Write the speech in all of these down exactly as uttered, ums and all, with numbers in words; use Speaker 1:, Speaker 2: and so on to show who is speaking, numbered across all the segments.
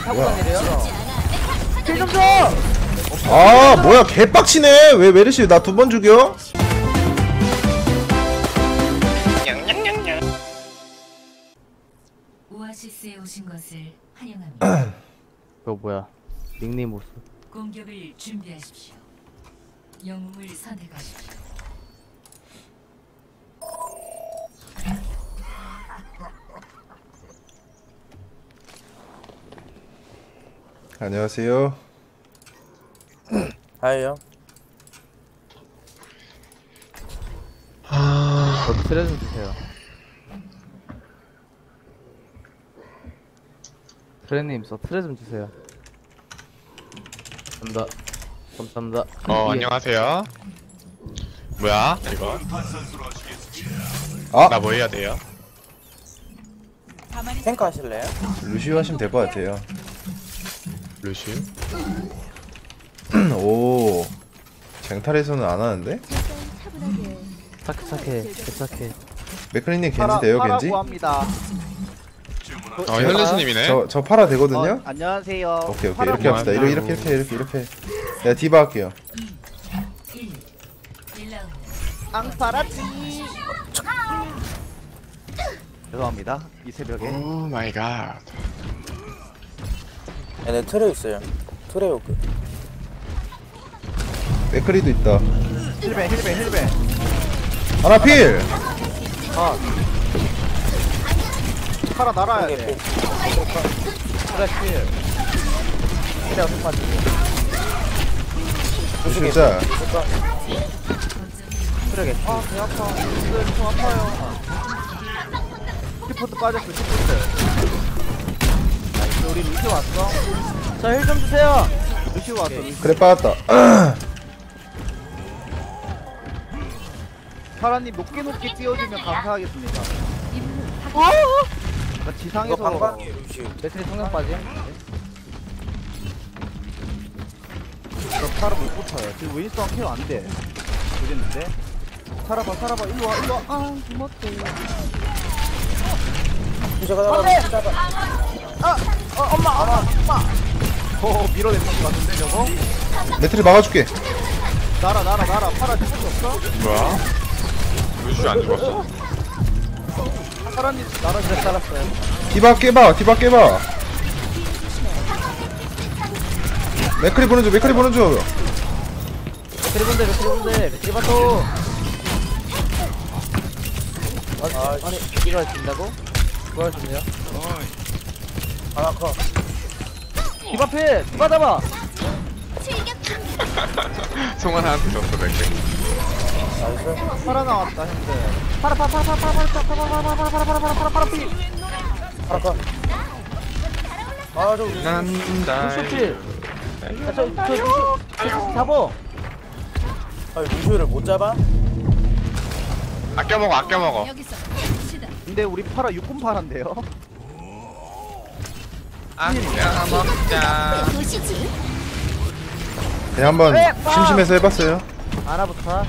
Speaker 1: 타고 다니래요? 킬 좀 줘!
Speaker 2: 아 뭐야 개빡치네. 왜 메르시 나 두 번 죽여?
Speaker 3: 오아시스에 오신 것을 환영합니다.
Speaker 1: 그거 뭐야 닉네임 모습.
Speaker 3: 공격을 준비하십시오. 영웅을 선택하십시오.
Speaker 2: 안녕하세요.
Speaker 4: 하이요.
Speaker 1: 저도 트레 좀 주세요. 트레님 저 트레 좀 주세요. 감사합니다. 감사합니다.
Speaker 5: 어
Speaker 1: 예.
Speaker 5: 안녕하세요. 뭐야 이거?
Speaker 2: 아
Speaker 5: 나 뭐 해야 돼요?
Speaker 4: 탱크 하실래요?
Speaker 2: 루시오 하시면 될 것 같아요.
Speaker 5: 루시?
Speaker 2: 오 쟁탈에서는 안 하는데?
Speaker 1: 착해 착해 개착해.
Speaker 2: 맥클리님 겐지 돼요 겐지?
Speaker 6: 구합니다.
Speaker 5: 어 혈루스님이네.
Speaker 2: 저, 저 파라 되거든요?
Speaker 6: 어, 안녕하세요.
Speaker 2: 오케이 오케이
Speaker 6: 파라
Speaker 2: 이렇게 합시다. 이렇게 이렇게 이렇게 이렇게 이렇게. 내가 디바 할게요.
Speaker 3: 일. 일 라운드.
Speaker 6: 앙파라치. 죄송합니다. 이 새벽에.
Speaker 5: 오 마이 갓.
Speaker 4: 얘네 트레 있어요. 트레 오크.
Speaker 2: 맥클리도 있다.
Speaker 6: 힐베 힐베 힐베.
Speaker 2: 하나 필!
Speaker 6: 아. 파라 날아야 돼.
Speaker 1: 트레 킬.
Speaker 6: 트레 어떻게 빠지고.
Speaker 2: 진짜
Speaker 6: 트레게. 아, 배 아파. 오늘 좀 아파요. 키포트 빠졌어. 키포트. 나이스. 우리 루시 왔어.
Speaker 1: 자 힐 좀 주세요.
Speaker 6: 루시 왔어. 루시.
Speaker 2: 그래 빠졌다.
Speaker 6: 파라님 높게 높게 띄워주면 감사하겠습니다. 나
Speaker 4: 이거
Speaker 6: 지상에서
Speaker 4: 방방이 루시.
Speaker 1: 배터리 성능 빠짐.
Speaker 6: 저 파라 못 붙어요. 지금 윈스턴 케어 안 돼. 그랬는데. 살아봐, 살아봐. 일로 와, 일로 와. 아, 고맙대.
Speaker 4: 루시가 잡아. 잡아.
Speaker 6: 아, 어, 엄마, 엄마, 엄마. 어, 밀어내는 것 같은데 저거?
Speaker 2: 매트리 막아줄게.
Speaker 6: 날아, 날아, 날아. 파라 죽을 수 없어?
Speaker 5: 뭐야? 루시 안 죽었어?
Speaker 6: 파라님 날아 잘 살았어요.
Speaker 2: 디바 깨봐 디바 깨봐. 맥클리 보는 중 맥클리 보는 중.
Speaker 1: 배터리 본대 배터리 본대 배터리 바토.
Speaker 4: 아,
Speaker 1: 아니 이거 할 수 있다고? 그거 할 수 있냐?
Speaker 4: 하나 커.
Speaker 1: 집 앞에 누가 잡아?
Speaker 5: 송환한테 줬어 맥주.
Speaker 4: 나이스.
Speaker 6: 파라 나왔다, 형들.
Speaker 1: 파라 파라 파라 파라 파라 파라 파라 파라 파라 파라 파라 파라 파라 파라 피.
Speaker 4: 하나 커. 아, 저
Speaker 5: 난다.
Speaker 1: 루시필. 아저저 루시 잡어.
Speaker 4: 아니, 루시를 못 잡아?
Speaker 5: 아껴 먹어 아껴 먹어.
Speaker 3: 여기서 시다.
Speaker 6: 근데 우리 파라 육군 파란데요?
Speaker 5: 아껴 먹자.
Speaker 2: 그냥 한번 심심해서 해봤어요.
Speaker 1: 아나부터.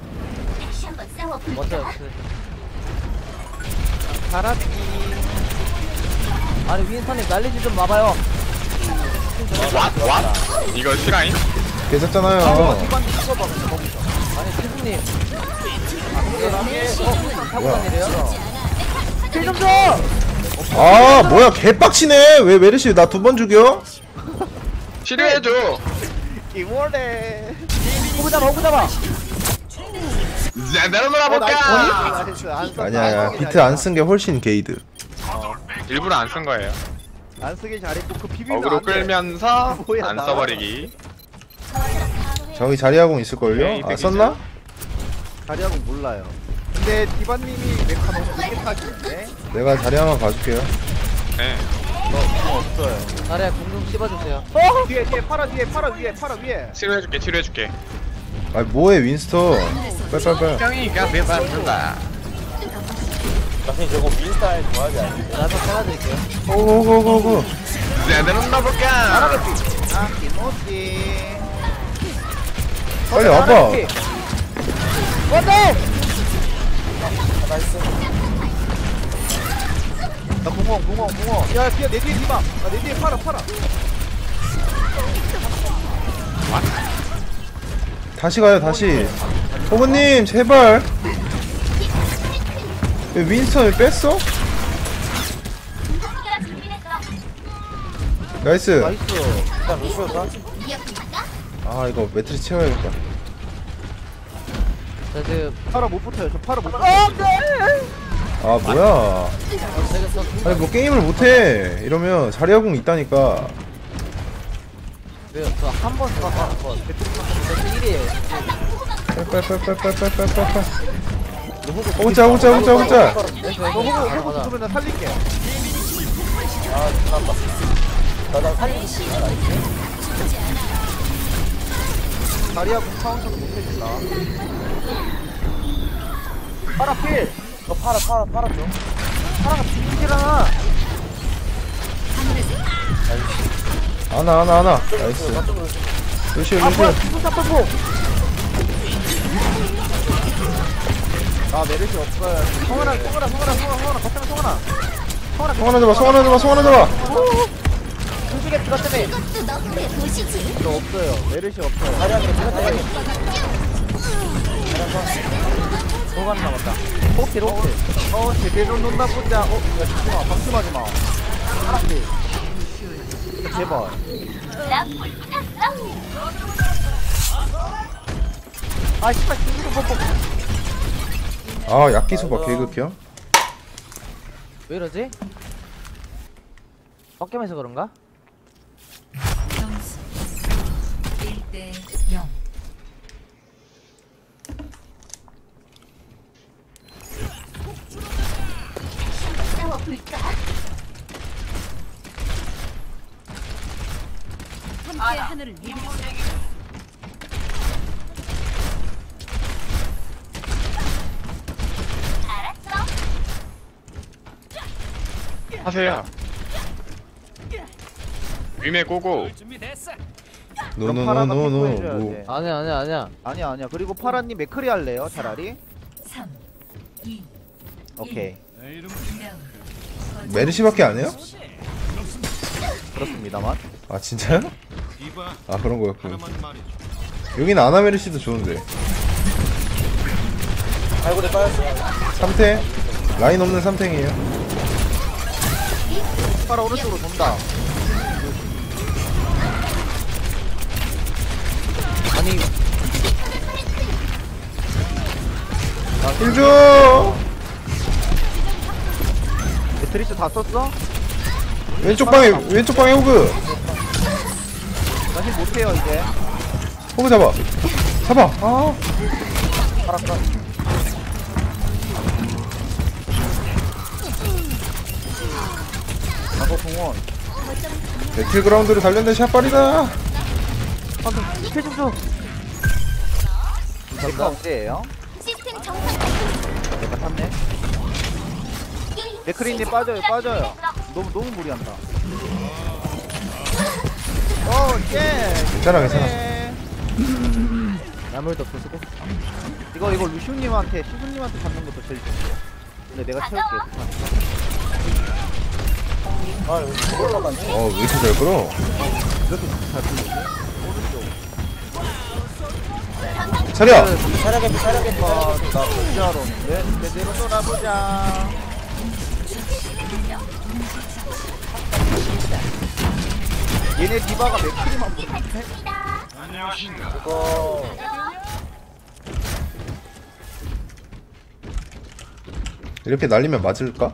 Speaker 1: 먼저.
Speaker 6: 파라치.
Speaker 1: 아니 윈스턴님 날리지 좀 마봐요.
Speaker 5: 왓? 왓? 이거 실화임?
Speaker 2: 계셨잖아요.
Speaker 6: 디반도 찍어봐, 근데 거기서.
Speaker 1: 아니 태수님. 타고
Speaker 2: 뭐야?
Speaker 1: 다니래요? 킬 좀 줘!
Speaker 2: 아 뭐야 개빡치네. 왜 메르시 나 두 번 죽여?
Speaker 5: 치료해줘.
Speaker 6: 이월에.
Speaker 1: 호구 잡아 호구 잡아!
Speaker 5: 자 내려놓아볼까?
Speaker 2: 아니야 비트 안 쓴 게 훨씬 게이드.
Speaker 5: 일부러 안 쓴 거예요.
Speaker 6: 안 쓰길 잘했고 그 비비면
Speaker 5: 어그로
Speaker 6: 안 돼.
Speaker 5: 끌면서
Speaker 6: 뭐야,
Speaker 5: 안
Speaker 6: 나.
Speaker 5: 써버리기.
Speaker 2: 저기 자리하공 있을걸요? 아 썼나?
Speaker 6: 자리하고 몰라요. 근데 디바님이 메카 너무 늦게 타기인데?
Speaker 2: 내가 자리 한번 봐줄게요.
Speaker 5: 네.
Speaker 6: 너 없어요.
Speaker 1: 나래야 공좀 씹어주세요.
Speaker 6: 어? 뒤에 뒤에 파라 뒤에 파라 위에 파라 위에.
Speaker 5: 치료해줄게 치료해줄게.
Speaker 2: 아 뭐해 윈스턴. 빨빨빨.
Speaker 5: 형이가 매반다.
Speaker 4: 나중에 저거 윈스타일 좋아하지 않니?
Speaker 1: 나도 잘라드릴게요.
Speaker 2: 오고고고고.
Speaker 5: 자 내려놓아볼까?
Speaker 6: 파라겠지. 아 김오지.
Speaker 2: 빨리 와봐.
Speaker 1: 안돼!
Speaker 4: 나이스.
Speaker 6: 나 공원 공원 공원 야 뒤에 내 뒤에 디바 아, 내 뒤에 팔아 팔아
Speaker 2: 다시 가요 다시. 호그님 제발. 왜 윈스턴 왜 뺐어? 나이스.
Speaker 6: 나이스
Speaker 4: 일단 루시오가
Speaker 2: 아 이거 매트리스 채워야겠다.
Speaker 7: 자 지금
Speaker 6: 팔아 못 붙어요 저 팔아 못 붙어요
Speaker 2: 아 뭐야.
Speaker 7: 되겠어.
Speaker 2: 아니 뭐 게임을 못해. 이러면 자리아궁 있다니까.
Speaker 7: 왜요? 저한번 들어가 한번 배틀 일이에요.
Speaker 2: 빨빨빨빨빨빨빨빨. 오자 오자 오자 오자.
Speaker 6: 너 호구 호구 붙으면 나 살릴게
Speaker 4: 아 나빠 나나 살리고 싶어
Speaker 6: 다리하고 카운터 못해준다 팔아 필
Speaker 4: 너 팔아 팔아 팔아줘
Speaker 6: 파라가 죽이잖아
Speaker 2: 아나 아나 아나. 나이스. 루시오
Speaker 6: 아
Speaker 2: 루시오.
Speaker 6: 뭐야 기분 잡고 아 메르시 없어요 성원아 성원아 성원아 성원아 성원아 거쳐면 성원아 성원아
Speaker 2: 성하나 잡아 성하나 잡아 성하나 잡아.
Speaker 6: 조식에 들어 때문에 너 없어요 메르시 없어요
Speaker 4: 다리하게 다리하게
Speaker 6: 소관 남았다 호킬 호킬 어 제대로 논다 보자 어 야 잠깐만 방심하지 마 하나씩 제발 아 씨발 중국어 뽀뽀
Speaker 2: 아 약기소바 개극혐.
Speaker 7: 왜 이러지? 빡겜해서 그런가?
Speaker 3: 점수 일 대 영. 함께 하늘을 이루자.
Speaker 5: 하세요. 위메 고고.
Speaker 2: 노노노노노.
Speaker 6: 해줘야
Speaker 2: 뭐.
Speaker 6: 돼.
Speaker 7: 아니야 아니야 아니야.
Speaker 6: 아니야 아니야 그리고 파라님 맥크리 할래요 차라리?
Speaker 3: 삼, 이,
Speaker 6: 오케이
Speaker 3: 일 라운드.
Speaker 2: 메르시밖에 안 해요?
Speaker 6: 그렇습니다만
Speaker 2: 아 진짜요? 아 그런 거였군. 여긴 아나메르시도 좋은데.
Speaker 4: 발굴에 빠졌어
Speaker 2: 삼탱 라인 없는 삼탱이에요.
Speaker 6: 파라 오른쪽으로 돈다
Speaker 7: 아니
Speaker 2: 힐줘.
Speaker 6: 매트리스 다 썼어?
Speaker 2: 왼쪽 방에 왼쪽 방에 호그.
Speaker 6: 나 힐 못해요 이제
Speaker 2: 호그 잡아. 잡아. 아.
Speaker 4: 파라카
Speaker 6: 나도 공원
Speaker 2: 배틀그라운드로 단련된 샷발이다.
Speaker 6: 방금 패좀 줘 내가 언제예요?
Speaker 8: 시스템 정상
Speaker 6: 내가 탔네 맥크리님 빠져요 빠져요 너무 너무 무리한다 어예
Speaker 2: 괜찮아 괜찮아.
Speaker 7: 나물도 부수고.
Speaker 6: 이거 이거 루시우님한테 시수님한테 잡는 것도 제일 좋은데 근데 내가 채울게
Speaker 4: 아 여기 올라가네
Speaker 2: 어왜 이렇게 잘 끌어?
Speaker 6: 이렇게 잘 풀리지? 오른쪽
Speaker 2: 차려.
Speaker 4: 차량에 차량에
Speaker 6: 아, 나 혼자로 오는데 제대로 떠나보자 얘네 디바가 맥크리만 보는데?
Speaker 4: 이거
Speaker 2: 이렇게 날리면 맞을까?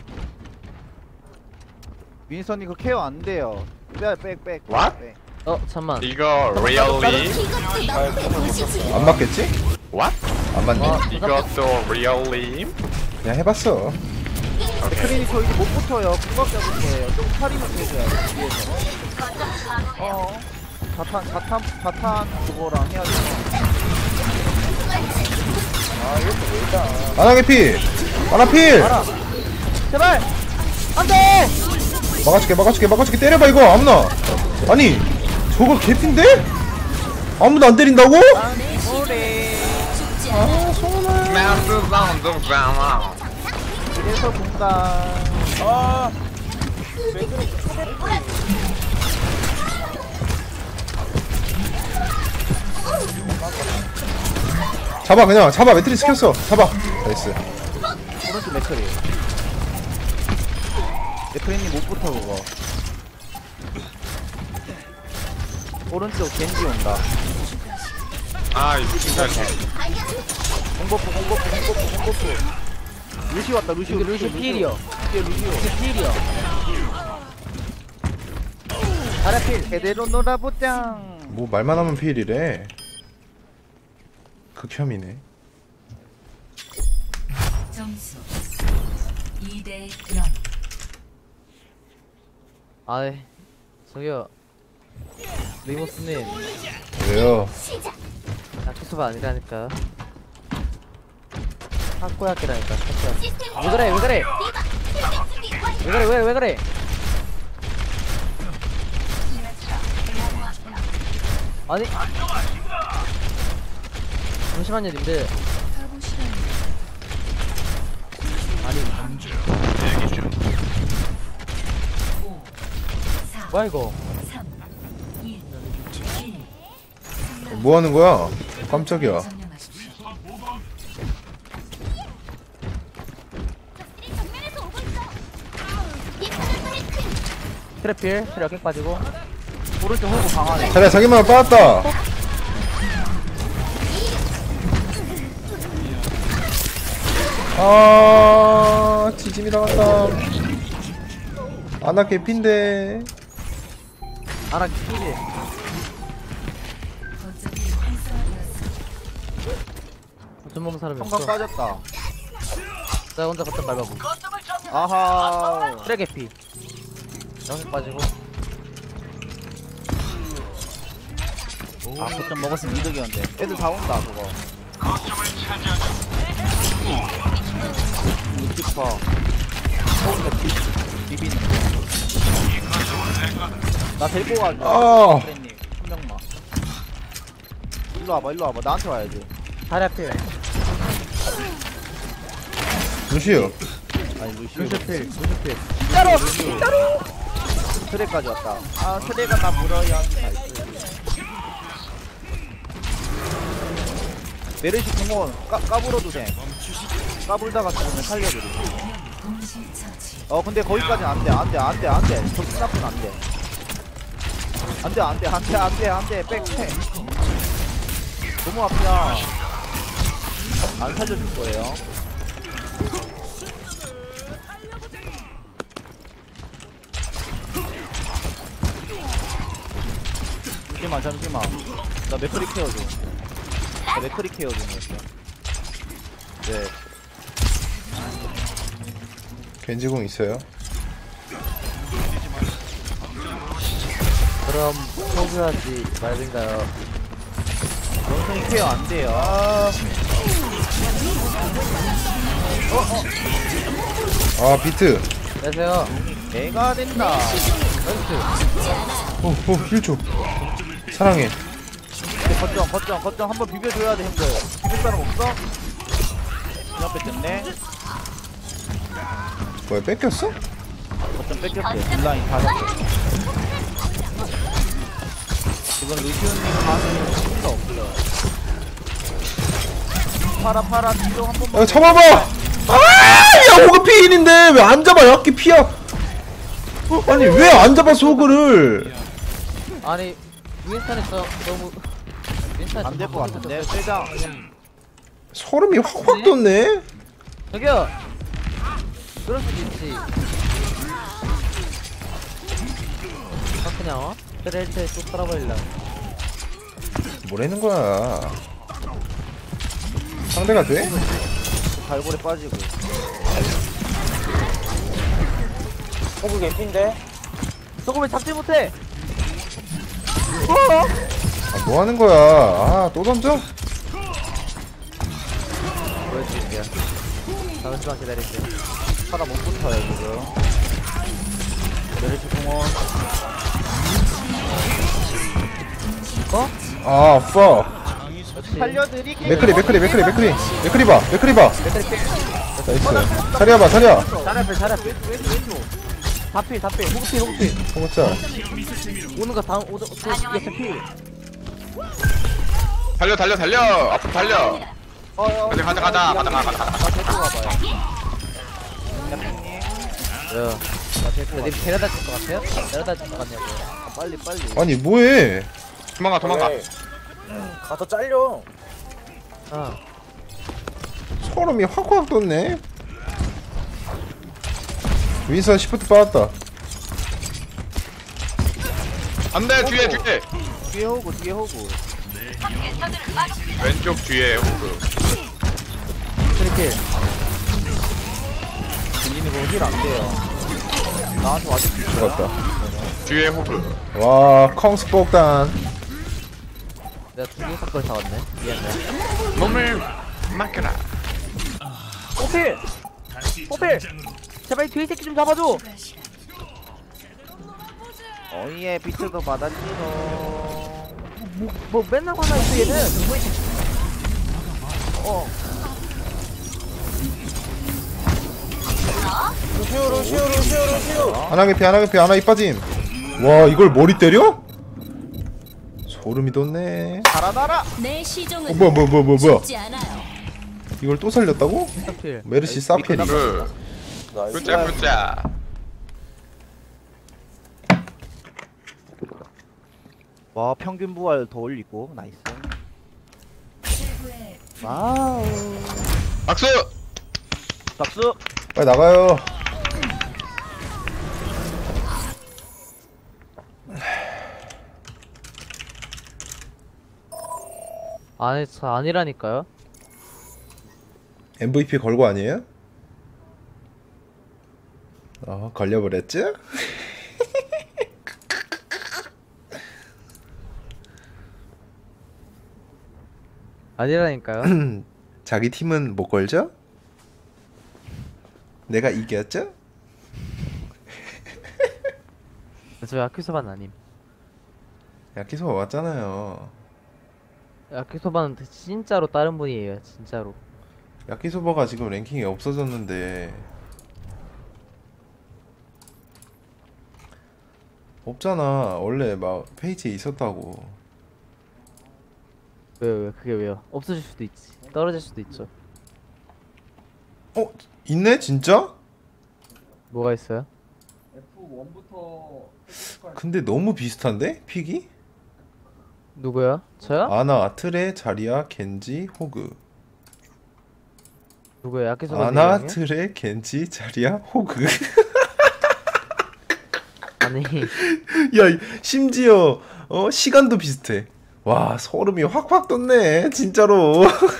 Speaker 6: 윈선이 그 케어 안 돼요 빼백백
Speaker 5: What?
Speaker 7: 어 잠만.
Speaker 5: 이거 리얼리?
Speaker 2: 안 맞겠지?
Speaker 5: What?
Speaker 2: 안 맞네.
Speaker 5: 이것도 리얼리?
Speaker 2: 그냥 해봤어.
Speaker 6: 맥크리니 저 이제 못 붙어요 금방 잡을 거예요 좀 파리만 해줘야 돼 뒤에서 어 자탄 자탄 자탄 그거랑 해야 돼
Speaker 4: 아 이것도 왜 있다
Speaker 2: 아나 개피. 아나 필.
Speaker 6: 알아 제발 안돼
Speaker 2: 막아줄게 막아줄게 막아줄게. 때려봐 이거 아무나. 아니 저거 개피인데? 아무도 안 때린다고?
Speaker 6: 오래
Speaker 5: 마스 사운드 장아.
Speaker 6: 이래서 공간
Speaker 4: 아 맥크리 초대피.
Speaker 2: 잡아 그냥 잡아. 매트리 시켰어. 잡아. 나이스.
Speaker 6: 오른쪽 맥크리. 맥크리님 못 붙어 그거. 오른쪽 겐지 온다.
Speaker 5: 아, 이 진짜.
Speaker 6: 공버프 공버프 공버프 공버프. 루시 왔다 루시.
Speaker 7: 여기 루시 필이요.
Speaker 6: 이게 루시오.
Speaker 7: 루시 필이요.
Speaker 6: 아라필 제대로 놀아보자.
Speaker 2: 뭐 말만 하면 피일이래. 극혐이네.
Speaker 3: 점수 이 대 영.
Speaker 7: 아이 저기요 리모스님
Speaker 2: 왜요?
Speaker 7: 나 투수가 아니라니까. 타코야끼라니까 타코야끼. 왜 그래 왜 그래 왜 그래 왜, 왜 그래 아니 잠시만요 님들. 아니 뭐야 이거.
Speaker 3: 삼, 이, 일.
Speaker 2: 뭐 하는 거야? 깜짝이야.
Speaker 3: 점령하십시오.
Speaker 7: 트래필 트랙 객 빠지고.
Speaker 6: 오른쪽 호구 강하네.
Speaker 2: 자리야 자기만 빠졌다. 아 지짐이 나갔다. 아나 개핀데.
Speaker 7: 아나 필이.
Speaker 3: 거점이 활성화되었습니다.
Speaker 7: 거점 먹는 사람이
Speaker 6: 성광
Speaker 7: 없어.
Speaker 6: 빠졌다.
Speaker 7: 자 혼자 거점 밟아보.
Speaker 6: 아하.
Speaker 7: 트랙 피 영색 빠지고.
Speaker 6: 아 거점 먹었으면 이득이었는데. 애들 다 온다 그거. 루시퍼. 서울대 비비는 거. 나 데리고 갈게.
Speaker 2: 아.
Speaker 6: 프렌님 한 명만. 일로 와봐 일로 와봐 나한테 와야지.
Speaker 7: 다리 앞에
Speaker 2: 루시오.
Speaker 6: 아니 루시.
Speaker 7: 루시필 루시필.
Speaker 6: 진짜로 진짜로. 트랙까지 왔다. 아 트랙가 나 물어요. 나이스. 메르시 공원 까, 까불어도 돼. 까불다가 죽으면 살려드리.
Speaker 3: 동시 처치.
Speaker 6: 어 근데 거기까지는 안돼 안돼 안돼 안돼. 저 스나프는 안돼. 안돼 안돼 안돼 안돼 안돼 백팩. 너무 앞이야. 안 살려줄 거예요. 잠시만 잠시만. 나 맥크리 케어 좀. 나 맥크리 케어 좀 했어. 네.
Speaker 2: 겐지공 있어요?
Speaker 7: 그럼 포기하지 말든가요.
Speaker 6: 원숭이 케어 안 돼요. 아,
Speaker 2: 아 비트.
Speaker 7: 안녕하세요.
Speaker 6: 내가 된다.
Speaker 2: 오오 힐 줘. 사랑해.
Speaker 6: 근데 거점 거점 거점 한번 비벼줘야 돼 형들. 비빌 사람 없어? 그냥 뺐겠네.
Speaker 2: 뭐야 뺏겼어?
Speaker 6: 거점 뺏겼대. 딜라인 다 잡고. 이건 루시오님 가는 힘도 없어요. 파라 파라 뒤로 한 번만.
Speaker 2: 야 잡아봐. 아야 호그 피일인데 왜 안 잡아? 약기 피야. 어, 아니 왜 안 잡아 소그를?
Speaker 7: 아니 윈스턴에서 너무 윈스턴
Speaker 6: 안 될 것 같은데. 세장.
Speaker 2: 소름이 확확 돋네.
Speaker 7: 저기요. 그럴 수도 있지. 아 그냥 어? 트레이트에 쏙 깔아버릴라.
Speaker 2: 뭐라는 거야? 상대가 돼?
Speaker 6: 갈고리 빠지고.
Speaker 4: 호구 개피인데?
Speaker 7: 소금을 잡지 못해.
Speaker 2: 아, 뭐 하는 거야? 아, 또 던져?
Speaker 7: 보여드릴게요. 잠시만 기다릴게요.
Speaker 6: 파라 못 붙어요 지금. 메르시 공원.
Speaker 7: 어?
Speaker 2: 아, 파.
Speaker 7: 그렇지.
Speaker 6: 살려드릴게요.
Speaker 2: 맥크리, 맥크리, 맥크리, 맥크리. 맥크리 봐, 맥크리 봐.
Speaker 7: 배터리 필.
Speaker 2: 나이스. 자리야봐 자리야.
Speaker 7: 잘해 잘해 왼쪽 왼쪽 왼쪽 다필 다필 호구필 호구필
Speaker 2: 호구짜.
Speaker 7: 오는 거 다음 오는 거 옆에 필
Speaker 5: 달려 달려 달려 앞으로 달려. 가자 가자 가자 가자 가자 가자.
Speaker 6: 나 데리고 가봐요.
Speaker 7: 왜요?
Speaker 6: 나 데리고
Speaker 7: 님
Speaker 6: 가.
Speaker 7: 데려다 줄 것 같아요? 데려다 줄 것 같냐고요
Speaker 6: 아, 빨리 빨리.
Speaker 2: 아니 뭐해?
Speaker 5: 도망가 도망가.
Speaker 4: 왜? 가서 잘려.
Speaker 7: 아
Speaker 2: 소름이 확확 돋네. 윈선 시프트 빠졌다.
Speaker 5: 안돼 뒤에 뒤에.
Speaker 6: 뒤에 호구 뒤에 호구.
Speaker 5: 왼쪽 뒤에 호그.
Speaker 7: 트리필
Speaker 6: 들리는 거힐안 돼요. 나한테 와줄 수 있어.
Speaker 2: 죽었다.
Speaker 5: 뒤에 호그.
Speaker 2: 와 컹스 폭탄.
Speaker 7: 내가 두개 사걸 사왔네 미안해
Speaker 5: 몸을 맡겨라.
Speaker 7: 호필 호필 제발 이 뒤에 새끼 좀 잡아줘
Speaker 6: 어이에 비트도 받았지롱.
Speaker 7: 뭐, 뭐 맨날 화나 있어 얘는 어
Speaker 4: 루시오 루시오 루시오 루시오.
Speaker 2: 하나 개피 하나 개피 하나 이빠짐. 와 이걸 머리 때려? 소름이 돋네.
Speaker 6: 살아나라.
Speaker 3: 내
Speaker 2: 어,
Speaker 3: 시종은
Speaker 2: 뭐야 뭐야 뭐야 뭐야 뭐야.
Speaker 3: 죽지 않아요.
Speaker 2: 이걸 또 살렸다고?
Speaker 7: 호필
Speaker 2: 메르시 사페리.
Speaker 5: 그
Speaker 4: 나이스.
Speaker 5: 굿자 굿자.
Speaker 6: 와 평균 부활 더 올리고 나이스.
Speaker 3: 최고의
Speaker 6: 와우.
Speaker 5: 박수.
Speaker 6: 박수.
Speaker 2: 빨리 나가요.
Speaker 7: 아니 저 아니라니까요
Speaker 2: 엠브이피 걸고 아니에요? 어 걸려버렸죠?
Speaker 7: 아니라니까요
Speaker 2: 자기 팀은 못 걸죠? 내가 이겼죠?
Speaker 7: 저 야키소바는 아님
Speaker 2: 야키소바 왔잖아요.
Speaker 7: 야키소바는 진짜로 다른 분이에요 진짜로
Speaker 2: 야키소바가 지금 랭킹이 없어졌는데 없잖아. 원래 막 페이지에 있었다고.
Speaker 7: 왜요 왜 그게 왜요 없어질 수도 있지 떨어질 수도 있죠
Speaker 2: 어? 있네? 진짜?
Speaker 7: 뭐가 있어요?
Speaker 2: 근데 너무 비슷한데? 픽이?
Speaker 7: 누구야? 저요?
Speaker 2: 아나, 트레, 자리야, 겐지, 호그.
Speaker 7: 누구야? 야키소바
Speaker 2: 아나,
Speaker 7: 네 명이요?
Speaker 2: 트레, 겐지, 자리야, 호그.
Speaker 7: 아니
Speaker 2: 야, 이- 심지어 어 시간도 비슷해. 와, 소름이 확확 돋네. 진짜로.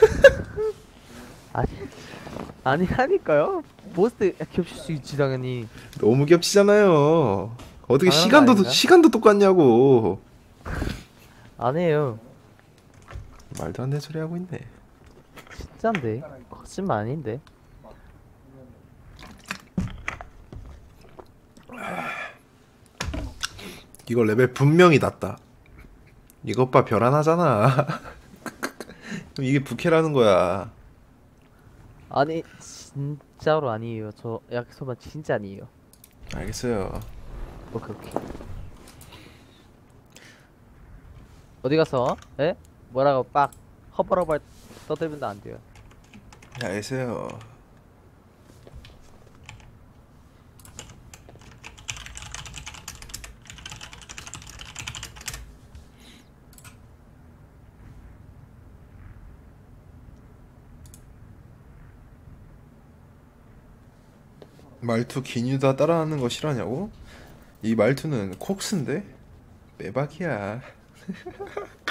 Speaker 7: 아니 아니라니까요 보스 겹칠 수 있지 당연히
Speaker 2: 너무 겹치잖아요. 어떻게
Speaker 7: 당연한 거
Speaker 2: 시간도
Speaker 7: 아닌가?
Speaker 2: 시간도 똑같냐고.
Speaker 7: 아니에요
Speaker 2: 말도 안 되는 소리 하고 있네.
Speaker 7: 진짠데 거짓말 아닌데
Speaker 2: 이거 레벨 분명히 낮다. 이것 봐, 별 하나잖아. 그럼 이게 부캐라는 거야.
Speaker 7: 아니 진짜로 아니에요 저 야키소바 진짜 아니에요
Speaker 2: 알겠어요.
Speaker 7: 오케이 오케이 어디 가서 에? 뭐라고 빡 허벌허벌 떠들면 안 돼요
Speaker 2: 알겠어요. 말투 기뉴다 따라하는 거 싫어하냐고? 이 말투는 콕스인데? 빼박이야.